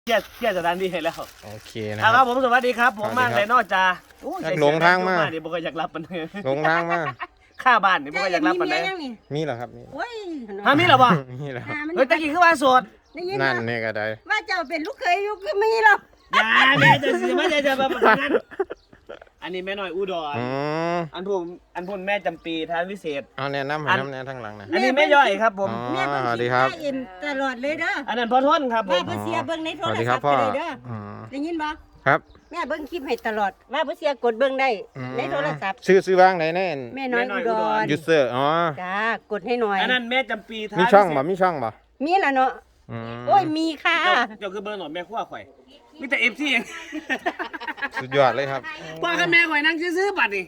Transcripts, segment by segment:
เที่ยวสถานที่ให้แล้วโอเคนะครับผมสวัสดีครับผมมากเลยนอกจากหลงทางมาเดี๋ยวบอกอยากรับมันหลงทางมาค่าบ้านเดี๋ยวบอกอยากรับมันเลยมีเหรอครับมีมีเหรอวะมีเหรอเฮ้ยตะกี้คือว่าโสดนั่นนี่ก็ได้ว่าเจ้าเป็นลูกเคยอยู่คือมีหรอกอย่าแม่จะสิไม่จะมาแบบนั้นอันนี้แม่น้อยอุดรอันพุ่นแม่จำปีทานวิเศษเอาแนะนำให้น้ำแนะทางหลังนะอันนี้แม่ย่อยครับผมแม่สวัสดีครับตลอดเลยเด้ออันนั้นพ่อทนครับผมว่าเสียเบิ้งในโทรศัพท์เลยเด้อได้ยินบ่ครับแม่เบิ้งคลิปให้ตลอดว่าเสียกดเบิ้งได้ในโทรศัพท์ซื้อวางไหนแน่แม่น้อยอุดรยูเซอร์อ๋อจ้ากดให้หน่อยอันนั้นแม่จำปีทานมีช่องบ่มีช่องบ่มีล่ะเนาะโอ้ยมีค่ะเจ้าคือเบอร์หน่อยแม่ขั้วข่อยมีแต่FCเองสุดยอดเลยครับว่ากับแม่ข่อยนั่งซื้อบัตรนี่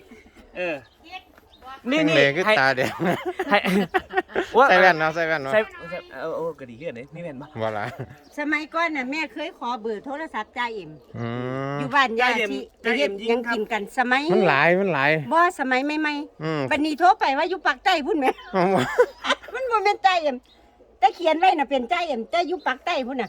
นี่คือตาแดงใส่แว่นเนาะใส่แว่นเนาะก็ดีขึ้นเลยมีแว่นปะว่าละสมัยก่อนน่ะแม่เคยขอเบอร์โทรศัพท์จ่าเอ็มอยู่บ้านยายที่ยังกินกันสมัยมันหลายบ่สมัยใหม่ๆบัดนี้โทรไปว่าอยู่ปากใต้พุ่นแม่มันบ่เป็นจ่าเอ็มแต่เขียนไว้น่ะเป็นจ่าเอ็มแต่อยู่ปากใต้พุ่นน่ะ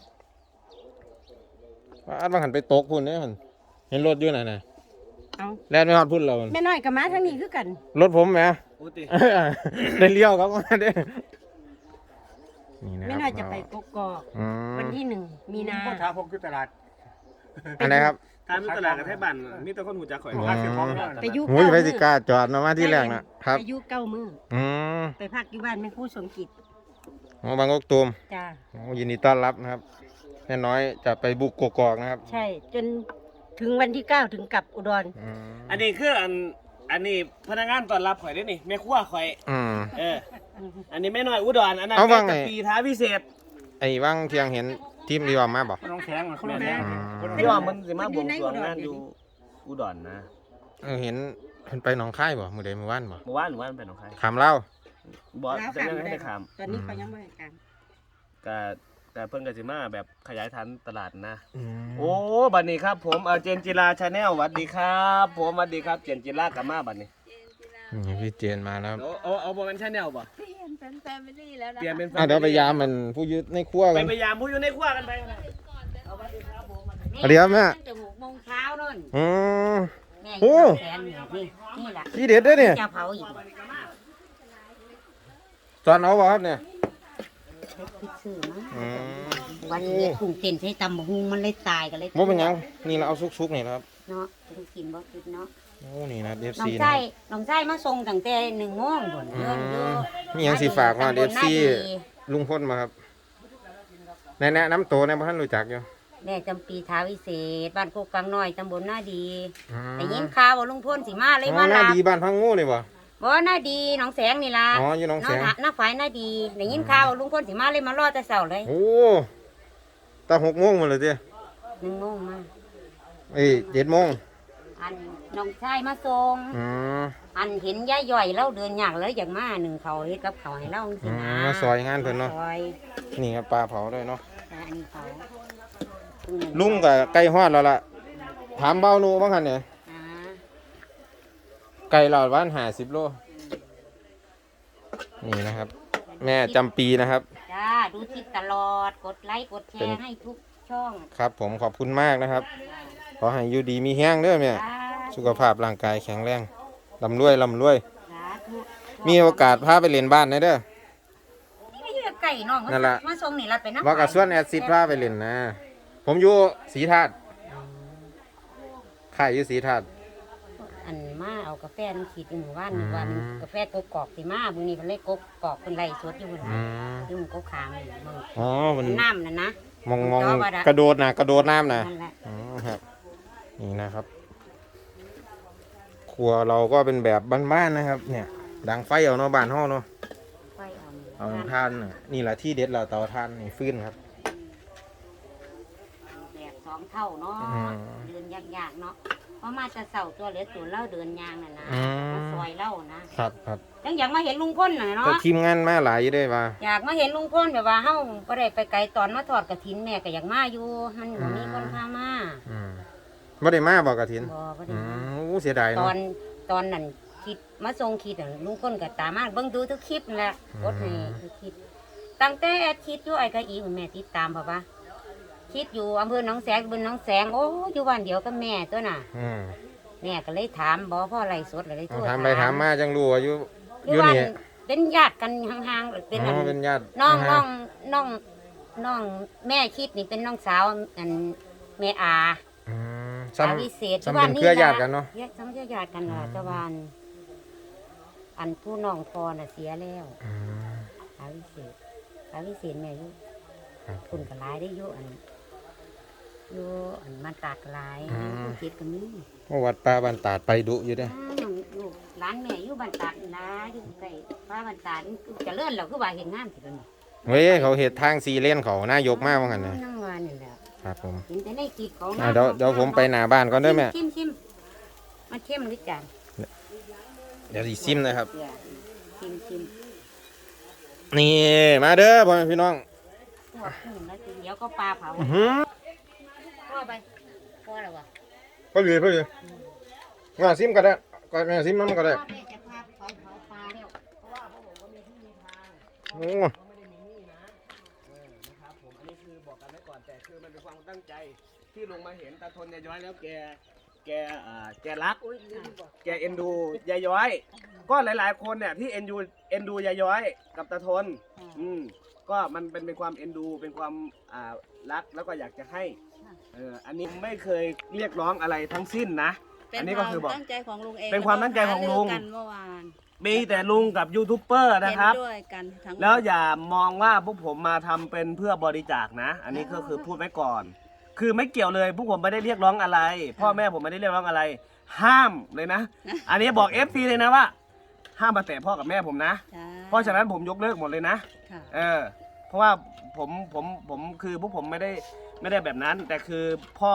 อันบางหันไปตกพุ่นเนี่ยเห็นรถอยู่ไหนน่ะเอาแล้วไม่ฮอดพุ่นเราแม่น้อยกับม้าทั้งนี้คือกันรถผมแหมได้เลี้ยวครับมาเด้แม่น้อยจะไปกกอกวันที่1 มีนาท้าพกที่ตลาดอันไหนครับทางตลาดกับไทยบ้านมีแต่คนหูจักข่อยไปยุหุ้ยไปสิกาจอดมาที่แรกนะครับไปยุ9 มื้อไปพักอยู่บ้านแม่ครูสมกิจบางกอกตูมจ้ายินดีต้อนรับนะครับแม่น้อยจะไปบุกกกอกนะครับใช่จนถึงวันที่9ถึงกลับอุดรอันนี้คืออันนี้พนักงานต้อนรับข่อยได้นี่แม่ครัวข่อยอันนี้แม่น้อยอุดรอันนั้นจะปีท้าพิเศษไอ้ว่างเที่ยงเห็นทีมดีว่ามาบอกน้องแข็งที่ว่ามันสิมาบวงสรวงงานอยู่อุดรนะเห็นไปหนองคายบ่มื้อใดมื้อวานบ่มื้อวานไปหนองคายขามเล่าบ่จะยังไม่ได้ขามตอนนี้เขายังไม่ให้การแต่เพิ่นก็สิมาแบบขยายฐานตลาดนะโอ้บัดนี้ครับผมเจนจิราชาแนลสวัสดีครับผมสวัสดีครับเจนจิรากลับมาบัดนี้พี่เจนมาแล้วเอาบ่เป็นชาแนลบ่เปลี่ยนเป็นแฟมิลี่แล้วนะเปลี่ยนเป็นเดี๋ยวไปยามมันผู้ยึดในครัวกันไปยามผู้อยู่ในครัวกันไปเดี๋ยวแม่ตั้งแต่6 โมงเช้านู่นแม่โอ้นี่แหละที่เด็ดด้วยเนี่ยจะเผาอีกตอนเอาบ่ครับเนี่ยวันนี้กุ้งเต้นใช้ตำบักหุ่งมันเลยตายกันเลยบ่เป็นยังนี่เราเอาซุกๆนี่ครับเนาะกินบ่กินเนาะโอ้นี่นะ FC น้องไส้มาส่งตั้งแต่1 โมงพุ่นมีหยังสิฝากมา FC ลุงพลมาครับแนะนำตัวนะบ่ทันรู้จักอยู่แม่จำปีท้าวิเศษบ้านโคกกลางน้อยตำบลหน้าดีได้ยินข่าวว่าลุงพลสิมาเลยมาหน้าดีบ้านพังงูนี่บ่บ่หน้าดีหนองแสงนี่ล่ะอ๋ออยู่หนองแสงหน้าฝ่ายหน้าดีได้ยินข่าวว่าลุงพลสิมาเลยมารอแต่เช้าเลยโอ้ตั้ง6 โมงมาเลยเด้ 1 โมงมา 7 โมงอันน้องชายมาส่งอันเห็นยายย่อยเราเดินยากเลยอย่างมา1เขาเฮ็ดกับเขาให้เราสินะมาซอยงานเพิ่นเนาะนี่ครับปลาเผาด้วยเนาะอันนี้เผาลุงก็ไก่ฮอดแล้วล่ะถามเบาหนูบ้างคั่นเนี่ยไก่หลอดวัน50 โลนี่นะครับแม่จำปีนะครับจ้าดูคลิปตลอดกดไลค์กดแชร์ให้ทุกช่องครับผมขอบคุณมากนะครับขอให้อยู่ดีมีแห้งเด้อแม่สุขภาพร่างกายแข็งแรงร่ำรวยมีโอกาสพาไปเล่นบ้านได้เด้อไก่น้องนั่นแหละมาส่งนี่รัดไปนะว่ากับส่วนแอดซิดพาไปเล่นนะผมอยู่ศรีธาตุค่ายอยู่ศรีธาตุอันมาเอากาแฟมันขีดอยู่หมู่บ้านวันกาแฟกกอกสิมามื้อนี้เพิ่นเลยกกอกเพิ่นไล่สดอยู่พุ่นอยู่กกขางนี่มึงอ๋อมันน้ำน่ะนะมองกระโดดน้ำนะครับนี่นะครับครัวเราก็เป็นแบบบ้านๆนะครับเนี่ยดังไฟเอาเนาะบ้านเฮาเนาะไฟเอาทานนี่แหละที่เด็ดเราเตาทานนี่ฟื้นครับแบบ2 เท่าเนาะเดินยากๆเนาะเพราะมาจะเสาตัวเหลือตัวเล่าเดินยางน่ะนะมาซอยเล่านะครับยังอยากมาเห็นลุงพลน่ะเนาะทีมงานมาหลายอยู่ด้วยว่าอยากมาเห็นลุงพลแบบว่าเฮาบ่ได้ไปไกลตอนมาทอดกฐินแม่ก็อยากมาอยู่มันบ่มีคนพามาบ่ได้มาบ่กฐินบ่ได้โอ้เสียดายเนาะตอนนั้นคิดมาส่งคิดลุงพลก็ตามมาเบิ่งดูทุกคลิปนั่นแหละกดให้ทุกคลิปตั้งแต่คิดอยู่ไอ้ก็อีแม่ติดตามเพราะว่าคคิดอยู่อำเภอหนองแสงตำบลหนองแสงโอ้อยู่บ้านเดียวกับแม่ตัวน่ะ แม่ก็เลยถามบ่พ่อไรสดเลยโทรถามไปถามมาจังรู้ว่าอยู่อยู่บ้านเป็นญาติกันห่างๆเป็นเป็นญาติน้องแม่คิดนี่เป็นน้องสาวอันแม่อาซ้อาวิเศษำเป็นเครือญาติกันเนาะซ้ำเครือญาติกันล่ะตะวันอันผู้น้องพอน่ะเสียแล้วอาวิเศษแม่อยู่คุณก็หลายได้อยู่อันมันตากหลายผู้คิดก็มีวัดป่าบ้านตาดไปดุอยู่เด้ลูกร้านแม่อยู่บ้านตาดนะอยู่ใกล้ป้าบ้านตาดจะเลื่อนเราคือว่าเห็นงานสิเดี๋ยวนี้เฮ้ยเขาเฮ็ดทาง4 เลนเขานายกมากว่างั้นนะนั่งวันนี่แหละครับผมเห็นแต่ในคลิปของเดี๋ยวผมไปหน้าบ้านก่อนเด้อแม่ชิมมันเข้มหรือจานเดี๋ยวสิซิมนะครับชิมนี่มาเด้อพ่อแม่พี่น้องพวกขึ้นแล้วทีเดียวก็ปลาเผาพ่อไปพ่อแล้ววะพอดีมาซิมก็ได้ก็แม่ซิมน้ำก็ได้พ่อแม่จะพาเผาปลาแล้วโอ้ไม่ได้มีหนี้นะนะครับผมอันนี้คือบอกกันไว้ก่อนแต่คือมันเป็นความตั้งใจที่ลงมาเห็นตาทนยายย้อยแล้วแกรักแกเอ็นดูยายย้อย ก็หลายๆคนเนี่ยที่เอ็นดูยายย้อยกับตาทนก็มันเป็นความเอ็นดูเป็นความรักแล้วก็อยากจะให้อันนี้ไม่เคยเรียกร้องอะไรทั้งสิ้นนะอันนี้ก็คือบอกตั้งใจของลุงเองเป็นความตั้งใจของลุงกันเมื่อวานมีแต่ลุงกับยูทูบเบอร์นะครับเห็นด้วยกันทั้งหมดแล้วอย่ามองว่าพวกผมมาทำเป็นเพื่อบริจาคนะ อันนี้ก็คือพูดไว้ก่อน คือไม่เกี่ยวเลยพวกผมไม่ได้เรียกร้องอะไร พ่อแม่ผมไม่ได้เรียกร้องอะไร ห้ามเลยนะ อันนี้บอก FC เลยนะว่า ห้ามมาแตะพ่อกับแม่ผมนะใช่เพราะฉะนั้นผมยกเลิกหมดเลยนะค่ะเพราะว่าผมคือพวกผมไม่ได้แบบนั้น แต่คือพ่อ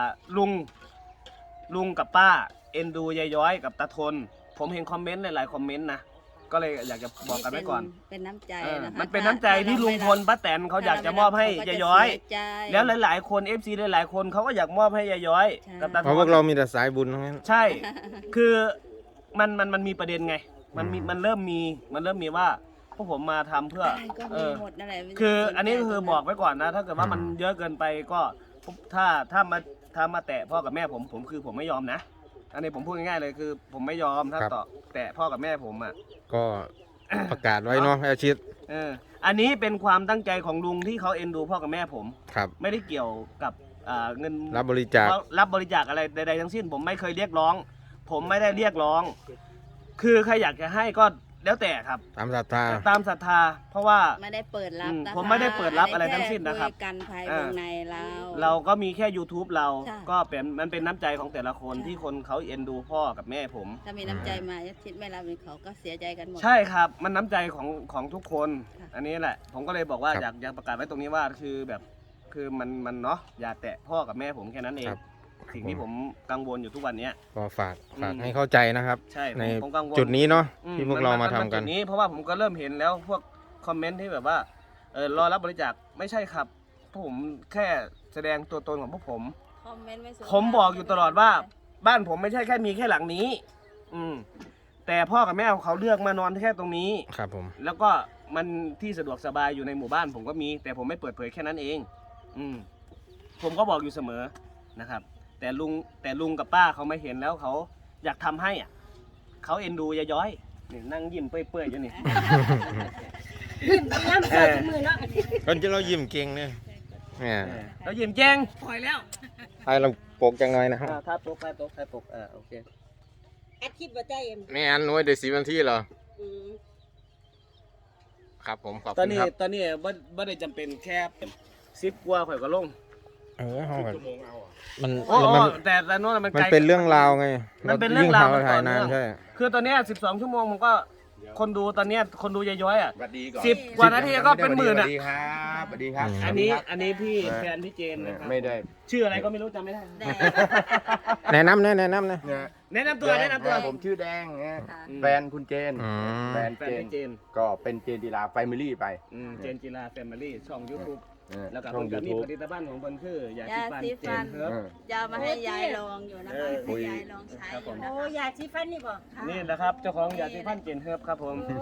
ลุงกับป้าเอ็นดูยายย้อยกับตาทน ผมเห็นคอมเมนต์หลายๆคอมเมนต์นะก็เลยอยากจะบอกกันไว้ก่อนเป็นน้ำใจนะคะมันเป็นน้ำใจที่ลุงพลป้าแตนเขาอยากจะมอบให้ยายย้อย แล้วหลายๆคน FC หลายๆคนเขาก็อยากมอบให้ยายย้อยกับตาทเพราะพวน กเรามีแต่สายบุญทั้งนั้นใช่ คือมันมีประเด็นไง มันเริ่มมีว่าพวกผมมาทำเพื่อใช่ก็มีหมดนั่นแหละคืออันนี้ก็คือบอกไว้ก่อนนะ ถ้าเกิดว่ามันเยอะเกินไปก็ถ้ามาแตะพ่อกับแม่ผมคือผมไม่ยอมนะ อันนี้ผมพูดง่ายๆเลยคือผมไม่ยอมถ้าต่อแตะพ่อกับแม่ผมอ่ะก็ประกาศไว้เนาะอาชิตอันนี้เป็นความตั้งใจของลุงที่เขาเอ็นดูพ่อกับแม่ผมครับไม่ได้เกี่ยวกับเงินรับบริจาครับบริจาคอะไรใดๆทั้งสิ้น ผมไม่เคยเรียกร้อง ผมไม่ได้เรียกร้อง คือใครอยากจะให้ก็แล้วแต่ครับตามศรัทธาตามศรัทธาเพราะว่าไม่ได้เปิดรับนะคะผมไม่ได้เปิดรับอะไรทั้งสิ้นนะครับได้แกันภายวงในเราเราก็มีแค่ YouTube เราใช่ก็มันเป็นน้ำใจของแต่ละคนที่คนเขาเอ็นดูพ่อกับแม่ผมถ้ามีน้ำใจมาชิดไม่รับเขาก็เสียใจกันหมดใช่ครับมันน้ำใจของทุกคนค่ะอันนี้แหละ ผมก็เลยบอกว่าครับอยากประกาศไว้ตรงนี้ว่าคือแบบคือมันเนาะอย่าแตะพ่อกับแม่ผมแค่นั้นเองครับสิ่งที่ผมกังวลอยู่ทุกวันเนี้ยก็ฝากให้เข้าใจนะครับใช่ในผมกังวลจุดนี้เนาะอืที่พวกเรามาทำกันจุดนี้เพราะว่าผมก็เริ่มเห็นแล้วพวกคอมเมนต์ที่แบบว่ารอรับบริจาคไม่ใช่ครับพวกผมแค่แสดงตัวตนของพวกผมคอมเมนต์ไสุภาพผมบอกอยู่ตลอดว่าบ้านผมไม่ใช่แค่มีแค่หลังนี้ แต่พ่อกับแม่เขาเลือกมานอนแค่ตรงนี้ครับผมแล้วก็มันที่สะดวกสบายอยู่ในหมู่บ้านผมก็มี แต่ผมไม่เปิดเผยแค่นั้นเอง ผมก็บอกอยู่เสมอนะครับ แต่ลุงกับป้าเขาไม่เห็นแล้วเขาอยากทำให้อ่ะเขาเอ็นดูยายย้อยนี่นั่งยิ้มเปื่อยๆอยู่นี่ยิ้มน้ำใส่มือเนาะก็จะเรายิ้มเก่งเนี่ยเนี่ยแล้วยิ้มแจ้งปล่อยแล้วให้เราปกจังหน่อยนะครับถ้าปกโอเคอาทิตย์บ่ใจเอ็มแม่อันน้อยเดี๋ยว10 นาทีเหรอ ครับผมขอบตอคุนณนี้ครับบ่ได้จำเป็นแค่10กว่าข่อยก็ลงห้องมันโอ้มันแต่โน่นมันมันไกลเป็นเรื่องราวไงมันเป็นเรื่องราวยิ่ถ่ายนานต่อเนื่องใช่คือตอนเนี้ย12 ชั่วโมงผมก็คนดูตอนเนี้ยคนดูยายย้อยอ่ะสวัสดีก่อน 10 กว่านาทีก็เป็นหมื่นสวัอ่ะสดีครับสวัสดีครับอันนี้พี่แฟนพี่เจนนะครับไม่ได้ชื่ออะไรก็ไม่รู้จำไม่ได้แดงแนะนำนะเนี่ยแนะนำตัวผมชื่อแดงนะค่ะแฟนคุณเจนอืมแฟนแฟนพี่เจนก็เป็นเจนจีราแฟมิลี่ไปเจนจิราแฟมิลี่ช่อง YouTube แล้วก็ช่องเพิ่นก็มี YouTube ผลิตภัณฑ์ของเพิ่นคือยาสีฟันยาสีฟันเจนเฮิร์บจะเอามาให้ยายลองอยู่นะคะให้ยายลองใช้อยู่นะโอ้คะยาสีฟันนี่บ่นี่นะครับเจ้าของยาสีฟันเจนเฮิร์บครับผม